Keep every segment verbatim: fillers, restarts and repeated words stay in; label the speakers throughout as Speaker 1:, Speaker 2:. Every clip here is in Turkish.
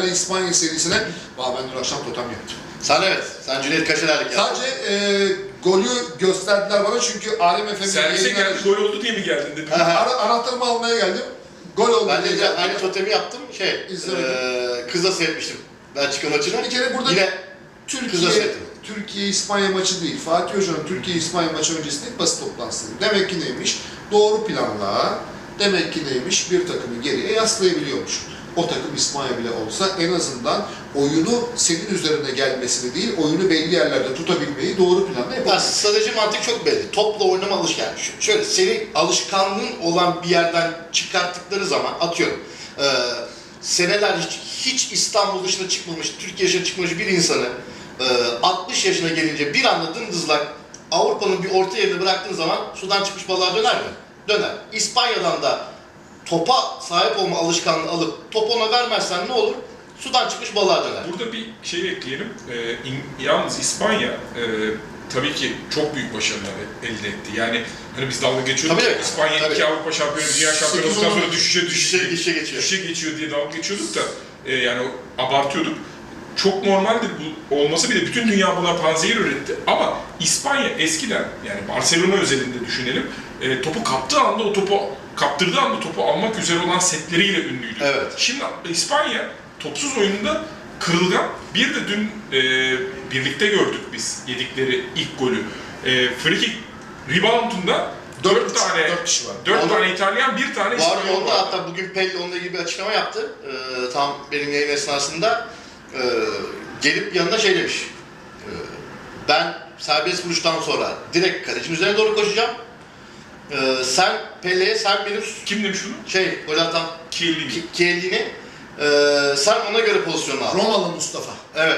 Speaker 1: İtalya-İspanya serisine Valla ben dün akşam totem yaptım.
Speaker 2: Sen evet, sen Cüneyt Kaşeler'lik yaptın.
Speaker 1: Sadece e, golü gösterdiler bana çünkü Alem F M'nin
Speaker 3: Servise geldi, gol oldu diye mi geldin dedim.
Speaker 1: Ara, anahtarımı almaya geldim. Gol oldu
Speaker 2: Ben
Speaker 1: diye
Speaker 2: de
Speaker 1: geldim.
Speaker 2: aynı totemi yaptım, şey, e, kızla seyretmiştim Belçika maçını.
Speaker 1: Bir kere burada
Speaker 2: Yine
Speaker 1: Türkiye,
Speaker 2: kızla seyrettim.
Speaker 1: Türkiye-İspanya maçı değil. Fatih Hoca'nın Türkiye-İspanya maçı öncesinde basın toplantısı. Demek ki neymiş? Doğru planla, demek ki neymiş? Bir takımı geriye yaslayabiliyormuş. O takım İspanya bile olsa en azından oyunu senin üzerine gelmesini değil, oyunu belli yerlerde tutabilmeyi doğru planla
Speaker 2: Ya,
Speaker 1: yapabilir.
Speaker 2: strateji mantık çok belli. Topla oynama alışkanlığı. Şöyle, senin alışkanlığın olan bir yerden çıkarttıkları zaman, atıyorum, e, seneler hiç, hiç İstanbul dışına çıkmamış, Türkiye dışına çıkmamış bir insanı e, altmış yaşına gelince bir anda dımdızlak Avrupa'nın bir orta yerine bıraktığın zaman sudan çıkmış balığa döner mi? Döner. İspanya'dan da topa sahip olma alışkanlığı alıp top ona vermezsen ne olur? Sudan çıkmış balığa döner.
Speaker 3: Burada bir şey ekleyelim. Ee, in, yalnız İspanya e, tabii ki çok büyük başarılar elde etti. Yani hani biz dalga geçiyorduk.
Speaker 2: Tabii,
Speaker 3: İspanya
Speaker 2: tabii.
Speaker 3: iki Avrupa şampiyonu, dünya şampiyonu olduktan sonra düşüşe
Speaker 2: düşüşe,
Speaker 3: düşüşe,
Speaker 2: düşüşe geçiyor.
Speaker 3: düşüşe geçiyor diye dalga geçiyorduk da e, yani abartıyorduk. Çok normaldir bu olması, bile bütün dünya buna panzehir üretti. Ama İspanya eskiden, yani Barcelona özelinde düşünelim, e, topu kaptığı anda o topu kaptırdığı anda topu almak üzere olan setleriyle ünlüydü.
Speaker 2: Evet.
Speaker 3: Şimdi İspanya topsuz oyununda kırılgan. Bir de dün e, birlikte gördük biz yedikleri ilk golü. E, free kick reboundunda dört tane
Speaker 1: dört kişi var.
Speaker 3: dört
Speaker 2: Onu-
Speaker 3: tane İtalyan, bir tane
Speaker 2: Var
Speaker 3: İspanyol
Speaker 2: onda,
Speaker 3: var.
Speaker 2: hatta bugün Pelli onunla ilgili bir açıklama yaptı. Ee, tam benim yayın esnasında ee, gelip yanına şey demiş. Ee, ben serbest vuruştan sonra direkt kalecinin üzerine doğru koşacağım. Ee, sen Pelle'ye, sen benim
Speaker 3: Kim demiş bunu?
Speaker 2: şey gol atan
Speaker 3: Chiellini.
Speaker 2: Ki- Chiellini, ee, sen ona göre pozisyonu al.
Speaker 1: Romalı Mustafa.
Speaker 2: Evet.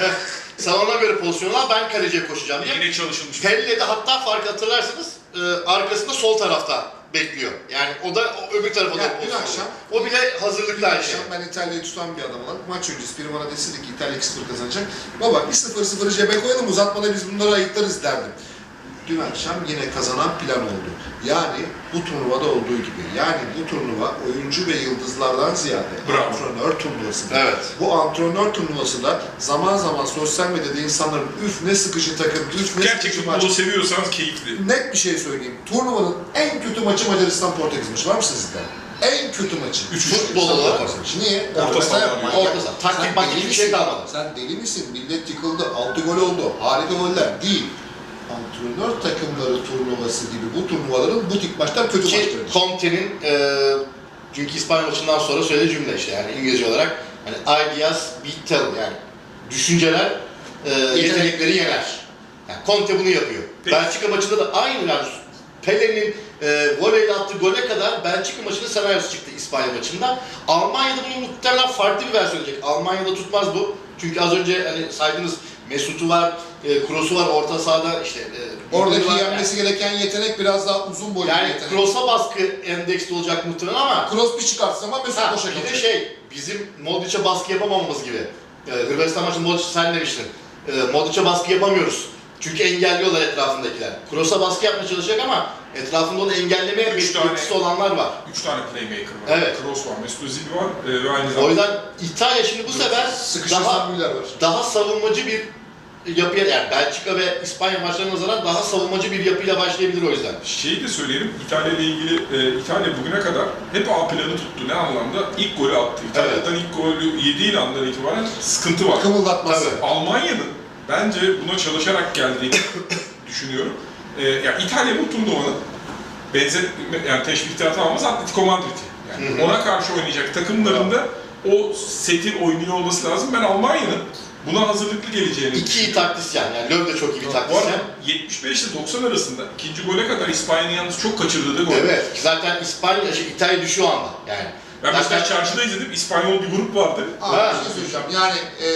Speaker 2: Sen ona göre pozisyonu al, ben kaleciye koşacağım diye.
Speaker 3: Yine çalışılmış.
Speaker 2: Pelle de hatta fark hatırlarsanız e, arkasında sol tarafta bekliyor. Yani o da o öbür tarafa
Speaker 1: Ya,
Speaker 2: doğru
Speaker 1: dün
Speaker 2: pozisyon
Speaker 1: akşam-
Speaker 2: oluyor. O bile
Speaker 1: Dün
Speaker 2: hazırlıklı her şey.
Speaker 1: akşam ben İtalya'yı tutan bir adam olarak maç öncesi biri bana deseydi ki İtalya iki sıfır kazanacak. Baba bir sıfır sıfırı cebe koyalım, uzatmada biz bunları ayıklarız derdim. Dün akşam yine kazanan plan oldu. Yani bu turnuvada olduğu gibi. Yani bu turnuva oyuncu ve yıldızlardan ziyade
Speaker 3: Bravo.
Speaker 1: antrenör turnuvası.
Speaker 2: Evet.
Speaker 1: Bu antrenör turnuvası da zaman zaman sosyal medyada insanların üf ne sıkıcı takım, üf ne sıkıcı
Speaker 3: Gerçek
Speaker 1: maç.
Speaker 3: futbolu seviyorsanız keyifli.
Speaker 1: Net bir şey söyleyeyim. Turnuvanın en kötü maçı Macaristan-Portekiz maçı. Var mı sizde? En kötü maçı.
Speaker 3: Üç
Speaker 2: Futbol
Speaker 1: Macaristan-
Speaker 2: olarak.
Speaker 1: Portekiz. Niye?
Speaker 3: Orta saha
Speaker 1: Orta
Speaker 3: var.
Speaker 2: Orta saha. Taktik maktik bir şey kalmadı.
Speaker 1: Sen deli misin? Millet yıkıldı. altı gol oldu. Harika goller. Değil. Antrenör takımları turnuvası gibi bu turnuvaların bu tip maçlar kötü
Speaker 2: Ki
Speaker 1: maçlardır.
Speaker 2: Conte'nin e, çünkü İspanya maçından sonra söylediği cümle işte, yani İngilizce olarak hani ideas beat talent, yani düşünceler e, yetenekleri yener. Yani Conte bunu yapıyor.
Speaker 3: Peki.
Speaker 2: Belçika maçında da aynı, yani Pele'nin e, voleyle attığı gole kadar Belçika maçının senaryosu çıktı İspanya maçında. Almanya'da bunun muhtemelen farklı bir versiyon olacak. Almanya'da tutmaz bu. Çünkü az önce hani saydınız, Mesut'u var, e, Kroos'u var, orta sahada işte e,
Speaker 1: Oradaki
Speaker 2: var.
Speaker 1: yenmesi gereken yetenek biraz daha uzun boylu bir
Speaker 2: Yani
Speaker 1: yetenek.
Speaker 2: Kroos'a baskı endeksli olacak muhtemelen ama
Speaker 1: Kroos bir çıkartsa ama Mesut
Speaker 2: ha,
Speaker 1: boşa
Speaker 2: bir de
Speaker 1: kalacak.
Speaker 2: şey, bizim Modric'e baskı yapamamamız gibi. Ee, Hırvatistan maçında Modric, sen demiştin. Ee, Modric'e baskı yapamıyoruz. Çünkü engelliyorlar etrafındakiler. Kroos'a baskı yapmaya çalışacak ama etrafında onu engellemeye
Speaker 3: Üç tane-
Speaker 2: yetkisi olanlar var.
Speaker 3: Üç tane playmaker var.
Speaker 2: Evet.
Speaker 3: Kroos var, Mesut Özil var e, ve aynı
Speaker 2: O
Speaker 3: zamanda
Speaker 2: yüzden İtalya şimdi bu sefer daha,
Speaker 1: Sıkışırsan Müller var.
Speaker 2: daha savunmacı bir yapıya, yani Belçika ve İspanya maçlarına nazaran daha savunmacı bir yapıyla başlayabilir o yüzden.
Speaker 3: şeyi de söyleyelim, İtalya ile ilgili, e, İtalya bugüne kadar hep A planı tuttu. Ne anlamda? İlk golü attı. İtalya'dan ilk golü yediği andan itibaren sıkıntı var.
Speaker 1: Kımıldatması.
Speaker 2: Tabii.
Speaker 3: Almanya'nın bence buna çalışarak geldiğini düşünüyorum. E, yani İtalya bu turnuvanın benzer, yani teşbihte atamamız Atletico Madrid'i. Yani
Speaker 2: Hı hı.
Speaker 3: ona karşı oynayacak takımlarında o setin oynuyor olması lazım. Ben Almanya'nın buna hazırlıklı geleceğini
Speaker 2: İki iyi taktisyen, yani Löw de çok iyi bir
Speaker 3: Bu
Speaker 2: taktisyen.
Speaker 3: arada yetmiş beş ile doksan arasında ikinci gole kadar İspanya'nın yalnız çok kaçırdığı da gol.
Speaker 2: Evet, ki zaten İspanya, şey, İtalya düşüyor o anda yani.
Speaker 3: Ben
Speaker 2: Zaten-
Speaker 3: mesela çarşıda izledim, İspanyol bir grup vardı.
Speaker 1: Abi
Speaker 2: Ha.
Speaker 1: bir şey söyleyeceğim. Yani e,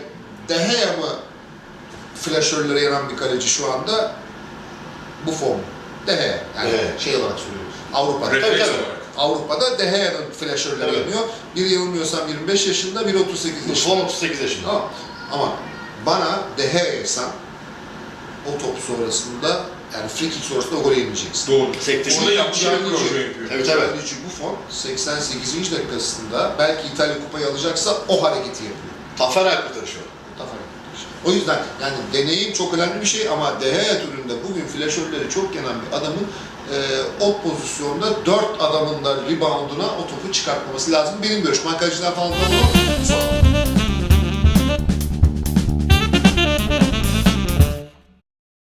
Speaker 1: De Gea mı flaşörlere yanan bir kaleci şu anda? Buffon. De Gea. Yani
Speaker 2: Evet.
Speaker 1: şey olarak söylüyorum. Avrupa'da.
Speaker 3: Refleks
Speaker 2: tabii.
Speaker 3: olarak.
Speaker 1: Avrupa'da De Gea'nın flaşörleri
Speaker 2: Evet.
Speaker 1: yanıyor. Biri yanılmıyorsam yirmi beş yaşında, biri otuz sekiz yaşında.
Speaker 2: Buffon otuz sekiz yaşında.
Speaker 1: Tamam. Ama bana De Gea'ysan o top sonrasında Yani free kick sonrasında o golü yemeyeceksin.
Speaker 3: Doğru.
Speaker 2: Sektirme.
Speaker 3: Orada yapmış bir
Speaker 1: Gianluigi-
Speaker 3: proje yapıyor.
Speaker 2: Evet, evet.
Speaker 1: Gianluigi Buffon seksen sekizinci dakikasında belki İtalya kupayı alacaksa o hareketi yapıyor.
Speaker 2: Taferel kurtarışı var.
Speaker 1: Tafer arkadaş. O yüzden yani deneyim çok önemli bir şey ama De Gea türünde bugün flaşörleri çok yenen bir adamın e, o pozisyonda dört adamın da rebounduna o topu çıkartmaması lazım. Benim görüşüm. Ben kaleciden falan da sonra